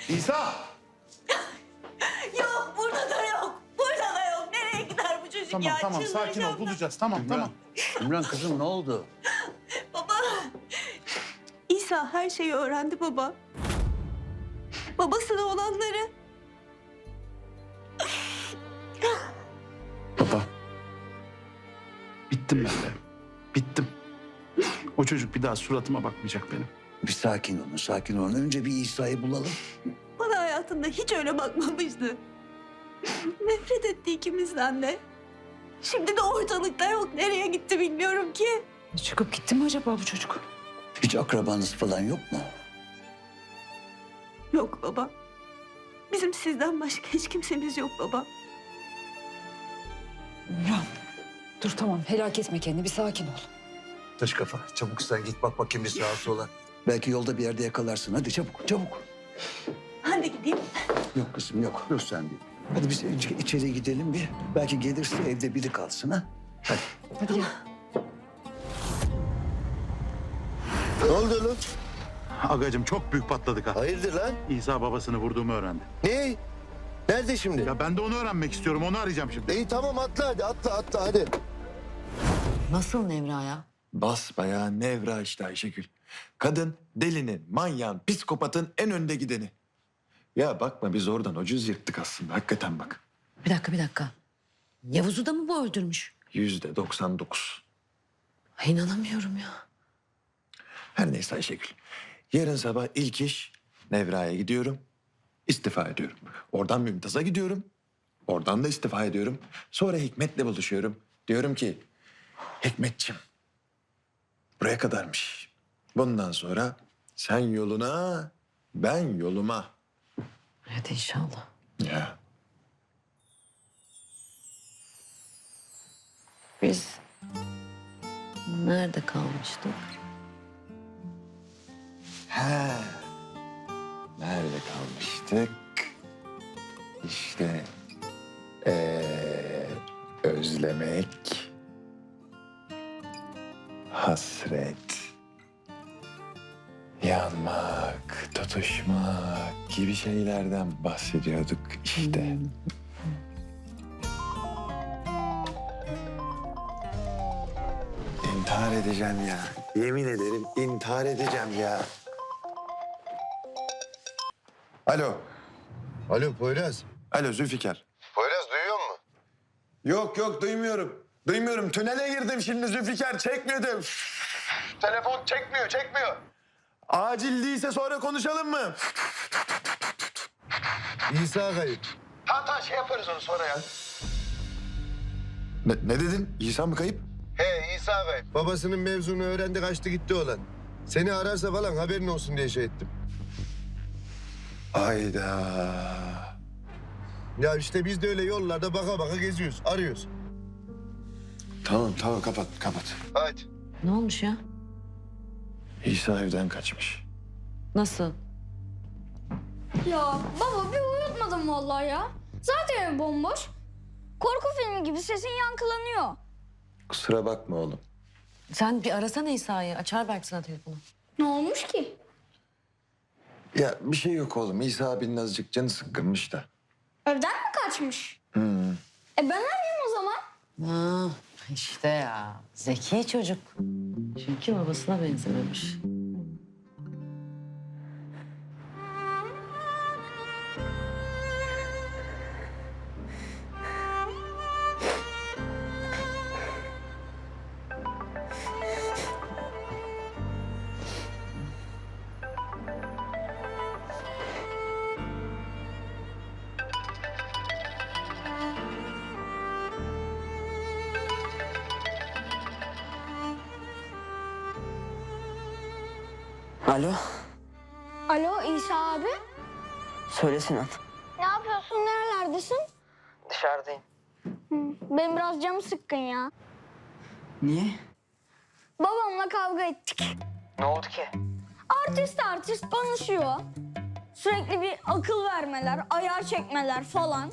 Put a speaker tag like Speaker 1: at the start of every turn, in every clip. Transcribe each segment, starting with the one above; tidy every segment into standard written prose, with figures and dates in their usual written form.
Speaker 1: İsa!
Speaker 2: Yok, burada da yok. Burada da yok. Nereye gider bu çocuk ya?
Speaker 1: Tamam sakin ol
Speaker 2: Çıldıracağım
Speaker 1: bulacağız tamam.
Speaker 3: İmran kızım ne oldu?
Speaker 2: Baba. İsa her şeyi öğrendi baba. Babasına olanları.
Speaker 1: Baba. Bittim ben de. Bittim. O çocuk bir daha suratıma bakmayacak benim.
Speaker 3: Bir sakin olun, sakin olun. Önce bir İsa'yı bulalım.
Speaker 2: Bana hayatında hiç öyle bakmamıştı. Nefret etti ikimizden de. Şimdi de ortalıkta yok. Nereye gitti bilmiyorum ki.
Speaker 4: Çıkıp gitti mi acaba bu çocuk?
Speaker 3: Hiç akrabanız falan yok mu?
Speaker 2: Yok baba. Bizim sizden başka hiç kimsemiz yok baba.
Speaker 4: İmran dur tamam helak etme kendini bir sakin ol.
Speaker 3: Taş kafa, çabuk sen git bak bakayım bir sağa sola. Belki yolda bir yerde yakalarsın. Hadi çabuk, çabuk.
Speaker 2: Hadi gideyim.
Speaker 3: Yok kızım yok, dur sen bir. Hadi biz içeri gidelim bir. Belki gelirse evde biri kalsın ha. Hadi.
Speaker 4: Hadi gel.
Speaker 5: Ne oldu lan?
Speaker 1: Agacım çok büyük patladık ha.
Speaker 5: Hayırdır lan?
Speaker 1: İsa babasını vurduğumu öğrendi.
Speaker 5: Ne? Nerede şimdi?
Speaker 1: Ya ben de onu öğrenmek istiyorum. Onu arayacağım şimdi.
Speaker 5: İyi tamam atla hadi atla hadi.
Speaker 4: Nasıl Nevra ya?
Speaker 6: Basbayağı Nevra işte Ayşegül. Kadın delinin, manyağın, psikopatın en önde gideni. Ya bakma biz oradan ucuz yırttık aslında. Hakikaten bak.
Speaker 4: Bir dakika. Yavuz'u da mı bu öldürmüş?
Speaker 6: %99.
Speaker 4: Ay, inanamıyorum ya.
Speaker 6: Her neyse Ayşegül. Yarın sabah ilk iş Nevra'ya gidiyorum. İstifa ediyorum. Oradan Mümtaz'a gidiyorum. Oradan da istifa ediyorum. Sonra Hikmet'le buluşuyorum. Diyorum ki Hikmetciğim buraya kadarmış. Bundan sonra sen yoluna ben yoluma.
Speaker 4: Hadi inşallah.
Speaker 6: Ya.
Speaker 4: Biz nerede kalmıştık?
Speaker 6: He. Nerede kalmıştık? İşte özlemek, hasret, yanmak, tutuşmak gibi şeylerden bahsediyorduk işte. İntihar edeceğim ya. Yemin ederim intihar edeceğim ya. Alo.
Speaker 5: Alo Poyraz.
Speaker 6: Alo Zülfikar.
Speaker 5: Poyraz duyuyor musun?
Speaker 6: Yok duymuyorum. Duymuyorum. Tünele girdim şimdi Zülfikar. Çekmedi. Telefon çekmiyor. Acil değilse sonra konuşalım mı?
Speaker 5: İsa kayıp.
Speaker 6: Tamam şey yaparız onu sonra ya. Ne dedin? İsa mı kayıp?
Speaker 5: He İsa kayıp. Babasının mevzunu öğrendi kaçtı gitti olan. Seni ararsa falan haberin olsun diye şey ettim.
Speaker 6: Ayda.
Speaker 5: Ya işte biz de öyle yollarda baka baka geziyoruz, arıyoruz.
Speaker 6: Tamam kapat.
Speaker 5: Hadi.
Speaker 4: Ne olmuş ya?
Speaker 6: İsa evden kaçmış.
Speaker 4: Nasıl?
Speaker 7: Ya baba bir uyutmadım vallahi ya. Zaten ev bomboş. Korku filmi gibi sesin yankılanıyor.
Speaker 6: Kusura bakma oğlum.
Speaker 4: Sen bir arasana İsa'yı. Açar belki sana telefonu.
Speaker 7: Ne olmuş ki?
Speaker 6: Ya bir şey yok oğlum. İsa abinin azıcık canı sıkkınmış da.
Speaker 7: Evden mi kaçmış? Ben arayayım o zaman.
Speaker 4: Ha, işte ya. Zeki çocuk. Çünkü babasına benzememiş.
Speaker 8: Alo,
Speaker 7: Alo İsa abi.
Speaker 8: söyle Sinan.
Speaker 7: Ne yapıyorsun? Nerelerdesin?
Speaker 8: Dışarıdayım.
Speaker 7: Benim biraz canım sıkkın ya.
Speaker 8: Niye?
Speaker 7: Babamla kavga ettik.
Speaker 8: Ne oldu ki?
Speaker 7: Artist konuşuyor. Sürekli bir akıl vermeler, ayar çekmeler falan.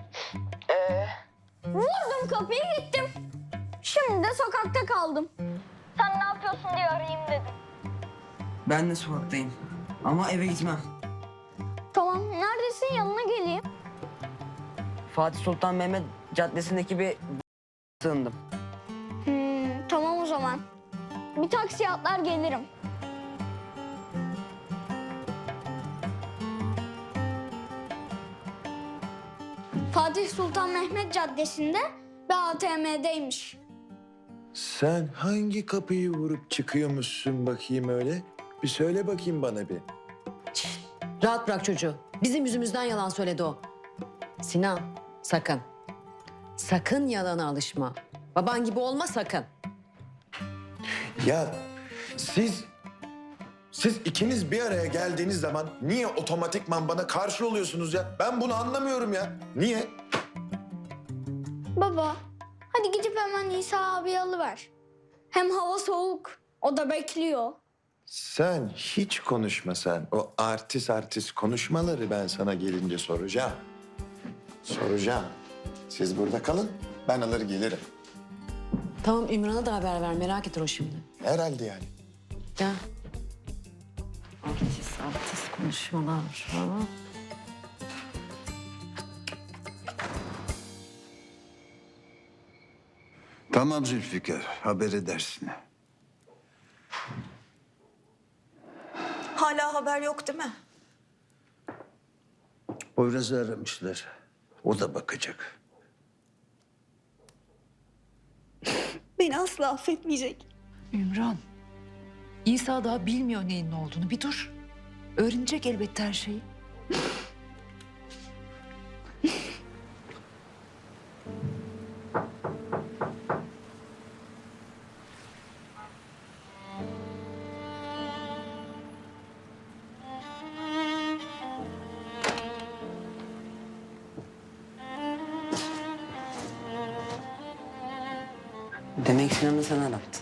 Speaker 7: Vurdum kapıyı gittim. Şimdi de sokakta kaldım. Sen ne yapıyorsun diye arayayım dedim.
Speaker 8: Ben de sokaktayım. Ama eve gitmem.
Speaker 7: Tamam Tamam. Neredesin? Yanına geleyim.
Speaker 8: Fatih Sultan Mehmet Caddesi'ndeki bir sığındım.
Speaker 7: Tamam o zaman. Bir taksiye atlar gelirim. Fatih Sultan Mehmet Caddesi'nde bir ATM'deymiş.
Speaker 6: Sen hangi kapıyı vurup çıkıyormuşsun bakayım öyle? Bir söyle bakayım bana bir.
Speaker 9: Rahat bırak çocuğu. Bizim yüzümüzden yalan söyledi o. Sinan, sakın. Sakın yalana alışma. Baban gibi olma sakın.
Speaker 6: Ya siz ikiniz bir araya geldiğiniz zaman niye otomatikman bana karşı oluyorsunuz ya? Ben bunu anlamıyorum ya. Niye?
Speaker 7: Baba, hadi gidip hemen İsa abi alıver. Hem hava soğuk, o da bekliyor.
Speaker 6: Sen hiç konuşma sen. O artist konuşmaları ben sana gelince soracağım. Soracağım. Siz burada kalın, ben alır gelirim.
Speaker 9: Tamam Ümran'a da haber ver. Merak eder o şimdi.
Speaker 6: Herhalde yani.
Speaker 9: Gel. Artist konuşmalar. Ha?
Speaker 3: Tamam Zülfikar, haber edersin.
Speaker 2: Hala haber yok değil mi?
Speaker 3: Poyraz'ı aramışlar. O da bakacak.
Speaker 2: Beni asla affetmeyecek.
Speaker 4: Ümran, İsa daha bilmiyor neyin ne olduğunu. Bir dur. Öğrenecek elbette her şeyi.
Speaker 8: Demek Sinan'ı sen arattın.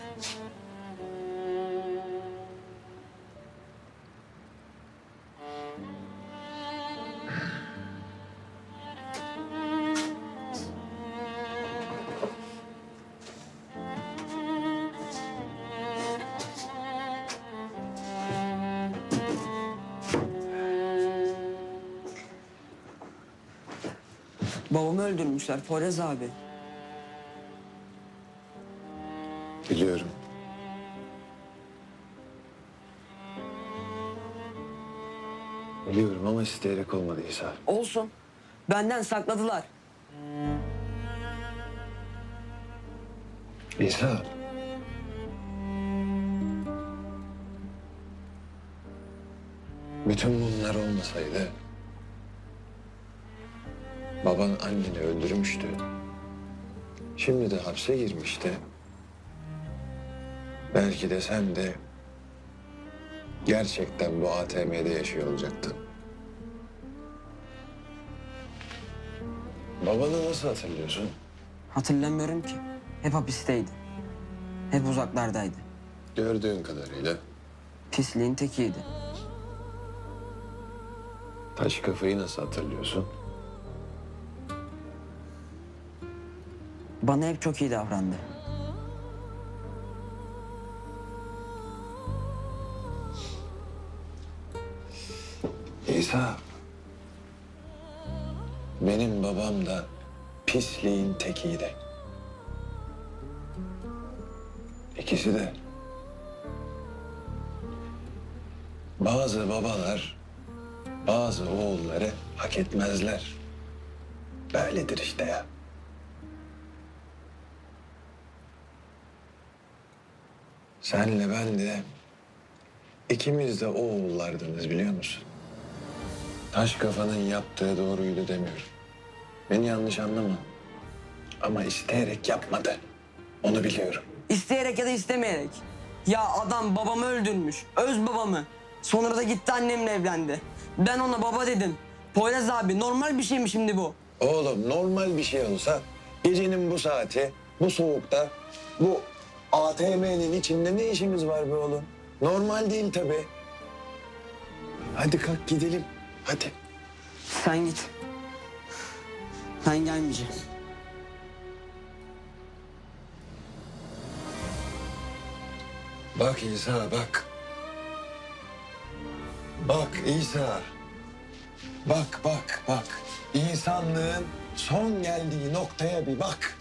Speaker 8: Babamı öldürmüşler Poyraz abi.
Speaker 6: Biliyorum. Biliyorum ama isteyerek olmadı İsa.
Speaker 8: Olsun. Benden sakladılar.
Speaker 6: İsa. Bütün bunlar olmasaydı... baban anneni öldürmüştü. Şimdi de hapse girmişti. Belki de sen de gerçekten bu ATM'de yaşıyor olacaktın. Babanı nasıl hatırlıyorsun?
Speaker 8: Hatırlamıyorum ki. Hep hapisteydi. Hep uzaklardaydı.
Speaker 6: Gördüğün kadarıyla
Speaker 8: Pisliğin tekiydi.
Speaker 6: taş kafayı nasıl hatırlıyorsun?
Speaker 8: Bana hep çok iyi davrandı.
Speaker 6: İsa, benim babam da pisliğin tekiydi. İkisi de. Bazı babalar bazı oğulları hak etmezler. Böyledir işte ya. Senle ben de ikimiz de o oğullardınız biliyor musun? Taş kafanın yaptığı doğruydu demiyorum. Beni yanlış anlama. Ama isteyerek yapmadı. Onu biliyorum.
Speaker 8: İsteyerek ya da istemeyerek. Ya adam babamı öldürmüş. Öz babamı. Sonra da gitti annemle evlendi. Ben ona baba dedim. Poyraz abi normal bir şey mi şimdi bu?
Speaker 6: Oğlum normal bir şey olsa gecenin bu saati, bu soğukta, bu ATM'nin içinde ne işimiz var be oğlum? Normal değil tabii. Hadi kalk gidelim. Hadi.
Speaker 8: Sen git. Ben gelmeyeceğim.
Speaker 6: Bak İsa bak. Bak İsa. Bak, bak, bak. İnsanlığın son geldiği noktaya bir bak.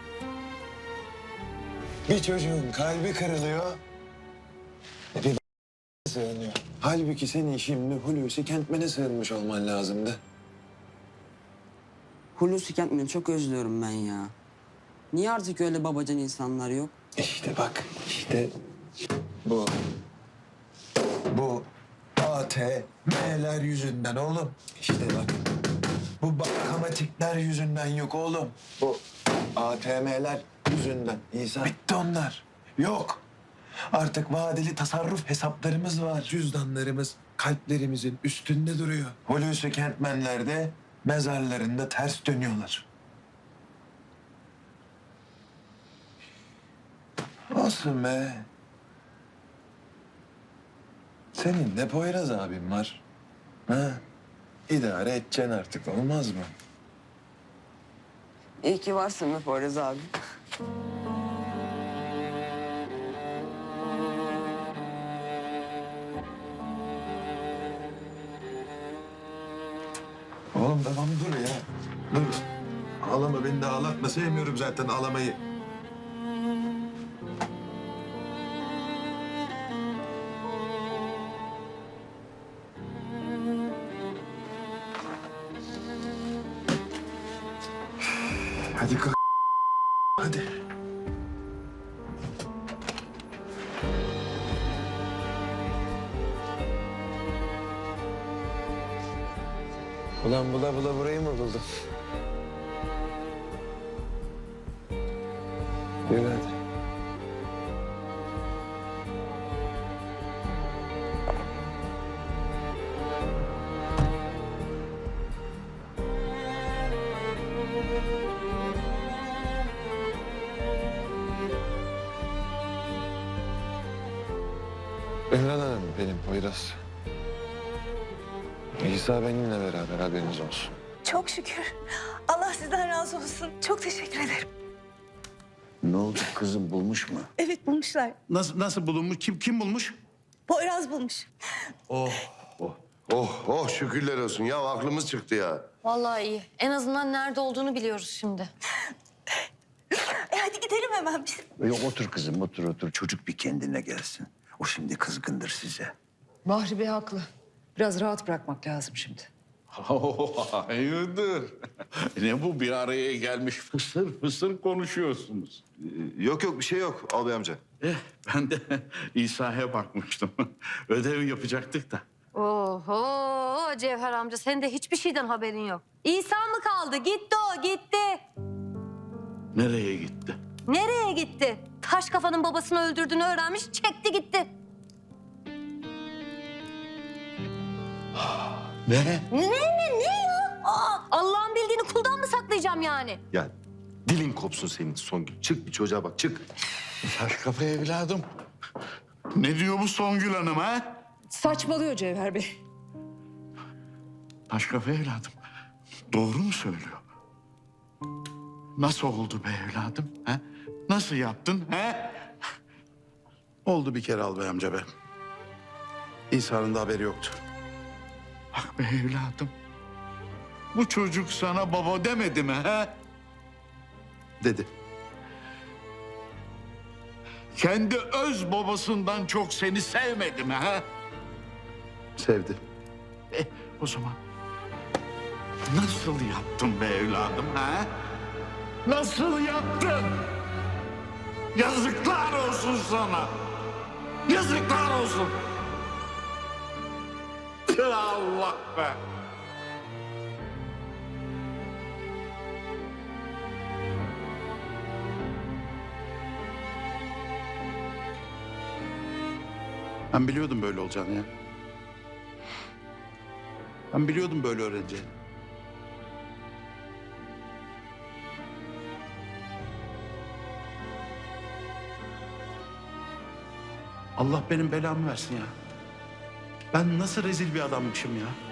Speaker 6: Bir çocuğun kalbi kırılıyor. Bir sığınıyor. Halbuki senin şimdi Hulusi Kentmen'e sığınmış olman lazımdı.
Speaker 8: Hulusi Kentmen'i çok özlüyorum ben ya. Niye artık öyle babacan insanlar yok?
Speaker 6: İşte bak, işte bu. Bu ATM'ler yüzünden oğlum. İşte bak, bu bankamatikler yüzünden yok oğlum. Bu ATM'ler yüzünden. İsa. Bitti onlar. Yok. Artık vadeli tasarruf hesaplarımız var. Cüzdanlarımız kalplerimizin üstünde duruyor. Hulusi Kentmenler de mezarlarında ters dönüyorlar. Olsun be. Senin de Poyraz abin var. Ha? İdare edeceksin artık, olmaz mı?
Speaker 8: İyi ki varsın be Poyraz abi.
Speaker 6: Oğlum tamam dur ya. Dur. Ağlama, beni de ağlatma. Sevmiyorum zaten ağlamayı. Hadi kalk. Hadi. Ulan bula bula burayı mı buldun? Yürü hadi. Ümran Hanım benim Poyraz. İsa benimle beraber, haberiniz olsun.
Speaker 2: Çok şükür. Allah sizden razı olsun. Çok teşekkür ederim.
Speaker 3: Ne oldu kızım, bulmuş mu?
Speaker 2: Evet bulmuşlar.
Speaker 1: Nasıl bulunmuş? Kim bulmuş?
Speaker 2: Poyraz bulmuş.
Speaker 5: Oh şükürler olsun. Ya aklımız çıktı ya.
Speaker 9: Vallahi iyi. En azından nerede olduğunu biliyoruz şimdi.
Speaker 2: Hadi gidelim hemen biz.
Speaker 3: Yok otur kızım, otur. Çocuk bir kendine gelsin. O şimdi kızgındır size.
Speaker 4: Bahri Bey haklı. Biraz rahat bırakmak lazım şimdi.
Speaker 1: Hayırdır? Ne bu, bir araya gelmiş fısır fısır konuşuyorsunuz.
Speaker 5: Yok bir şey yok albay amca.
Speaker 1: Ben de İsa'ya bakmıştım. Ödev yapacaktık da.
Speaker 10: Oho Cevher amca senin de hiçbir şeyden haberin yok. İsa mı kaldı? Gitti o gitti.
Speaker 1: Nereye gitti?
Speaker 10: Nereye gitti? Taş kafanın babasını öldürdüğünü öğrenmiş çekti gitti.
Speaker 1: Ne?
Speaker 10: Ne ya? Allah'ın bildiğini kuldan mı saklayacağım yani?
Speaker 5: Ya dilin kopsun senin Songül. Çık bir çocuğa bak çık.
Speaker 1: Taş kafa evladım. Ne diyor bu Songül Hanım ha?
Speaker 4: Saçmalıyor Cevher Bey.
Speaker 1: Taş kafa evladım. Doğru mu söylüyor? Nasıl oldu be evladım? Ha? Nasıl yaptın? Ha? Oldu bir kere albay amca be. İsa'nın da haberi yoktu. Bak be evladım. Bu çocuk sana baba demedi mi ha? Dedi. Kendi öz babasından çok seni sevmedi mi ha? Sevdi. O zaman nasıl yaptın be evladım ha? Nasıl yaptın? Yazıklar olsun sana. Yazıklar olsun. Allah be. Ben biliyordum böyle olacağını ya. Ben biliyordum böyle öğreneceğini. Allah benim belamı versin ya. Ben nasıl rezil bir adammışım ya.